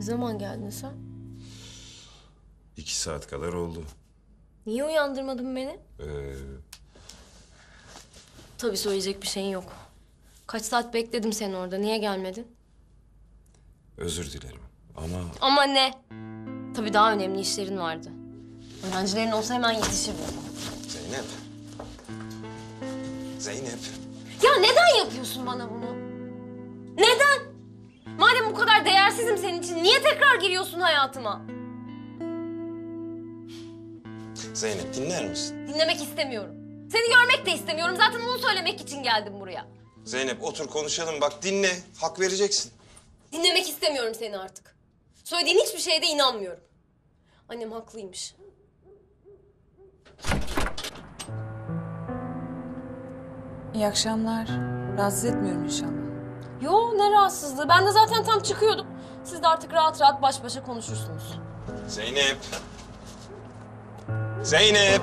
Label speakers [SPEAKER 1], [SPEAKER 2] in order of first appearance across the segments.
[SPEAKER 1] Ne zaman geldin sen?
[SPEAKER 2] 2 saat kadar oldu.
[SPEAKER 1] Niye uyandırmadın beni?
[SPEAKER 2] Ee,
[SPEAKER 1] Tabii söyleyecek bir şeyin yok. Kaç saat bekledim seni orada. Niye gelmedin?
[SPEAKER 2] Özür dilerim ama...
[SPEAKER 1] Ama ne? Tabii daha önemli işlerin vardı. Öğrencilerin olsa hemen yetişirdin.
[SPEAKER 2] Zeynep. Zeynep.
[SPEAKER 1] Ya neden yapıyorsun bana bunu? Neden? Madem bu kadar değersizim senin için, niye tekrar giriyorsun hayatıma?
[SPEAKER 2] Zeynep dinler misin?
[SPEAKER 1] Dinlemek istemiyorum. Seni görmek de istemiyorum. Zaten onu söylemek için geldim buraya.
[SPEAKER 2] Zeynep otur konuşalım bak dinle. Hak vereceksin.
[SPEAKER 1] Dinlemek istemiyorum seni artık. Söylediğin hiçbir şeye de inanmıyorum. Annem haklıymış.
[SPEAKER 3] İyi akşamlar. Rahatsız etmiyorum inşallah.
[SPEAKER 1] Yo, ne rahatsızlığı. Ben de zaten tam çıkıyordum. Siz de artık rahat rahat baş başa konuşursunuz.
[SPEAKER 2] Zeynep. Zeynep.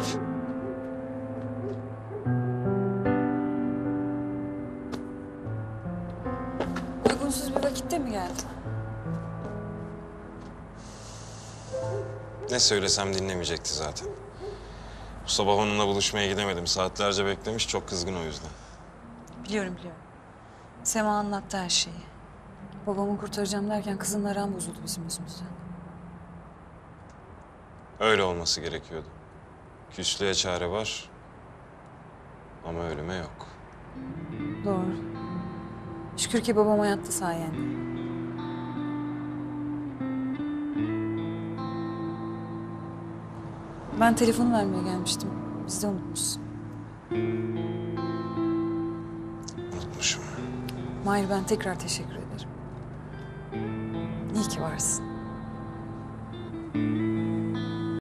[SPEAKER 3] Uygunsuz bir vakitte mi geldin?
[SPEAKER 2] Ne söylesem dinlemeyecekti zaten. Bu sabah onunla buluşmaya gidemedim. Saatlerce beklemiş, çok kızgın o yüzden.
[SPEAKER 3] Biliyorum. Sema anlattı her şeyi. Babamı kurtaracağım derken kızın aram bozuldu bizim yüzümüzden.
[SPEAKER 2] Öyle olması gerekiyordu. Küslüğe çare var ama ölüme yok.
[SPEAKER 3] Doğru. Şükür ki babam hayatta sayende. Ben telefonu vermeye gelmiştim. Biz de unutmuşsun.
[SPEAKER 2] Unutmuşum.
[SPEAKER 3] Mahir, ben tekrar teşekkür ederim. İyi ki varsın.